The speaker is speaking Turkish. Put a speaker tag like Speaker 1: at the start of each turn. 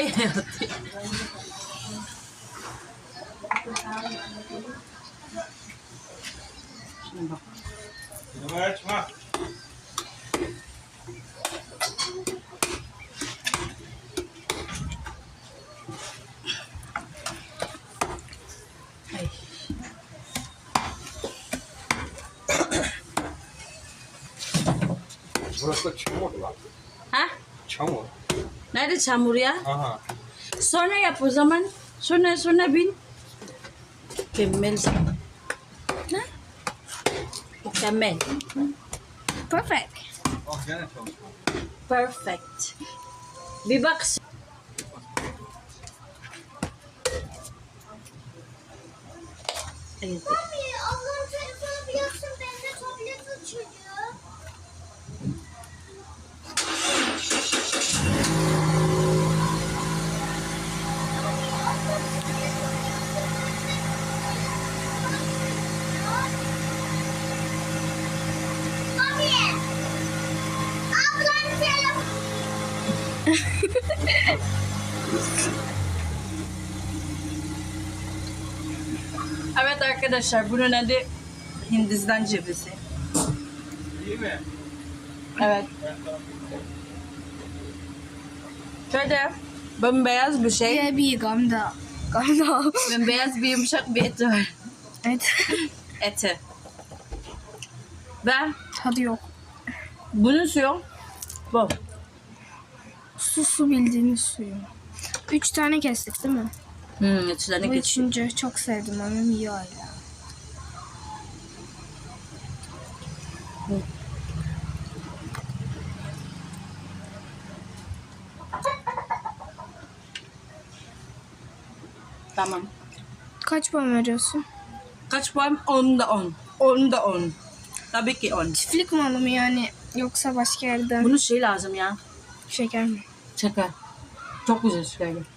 Speaker 1: healthy. Şimdi bak. Ay.
Speaker 2: Burası da çamur lan.
Speaker 1: Ha?
Speaker 2: Çamur.
Speaker 1: Nerede çamur ya?
Speaker 2: Aha.
Speaker 1: Sonra yap o zaman. Sonra bin. Mükemmel. Ha? Mükemmel.
Speaker 3: Perfect.
Speaker 2: Ah gene çalışma.
Speaker 1: Perfect. Bir bak. Evet.
Speaker 3: Ablam telefonu bir yapsın, ben de tablet açıyorum. Ablam telefonu.
Speaker 1: Evet arkadaşlar, bunun adı Hindistan cevizi.
Speaker 2: İyi mi?
Speaker 1: Evet. Şöyle bembeyaz bir şey.
Speaker 3: Bir gamda.
Speaker 1: Bembeyaz bir yumuşak bir eti var.
Speaker 3: Evet.
Speaker 1: Eti. Ve
Speaker 3: Tadı yok.
Speaker 1: bunun suyu bu.
Speaker 3: Su bildiğiniz suyu. 3 tane kestik değil mi?
Speaker 1: İçlerine
Speaker 3: Bu
Speaker 1: geçiyor.
Speaker 3: üçüncü çok sevdim ama iyi hala.
Speaker 1: Tamam.
Speaker 3: Kaç puan veriyorsun?
Speaker 1: Kaç puan? 10'da 10. 10'da 10. Tabii ki 10.
Speaker 3: Çiftlik malı mı yani? Yoksa başka yerden
Speaker 1: Bunun şey lazım ya.
Speaker 3: şeker mi?
Speaker 1: Şeker. Çok güzel şeker.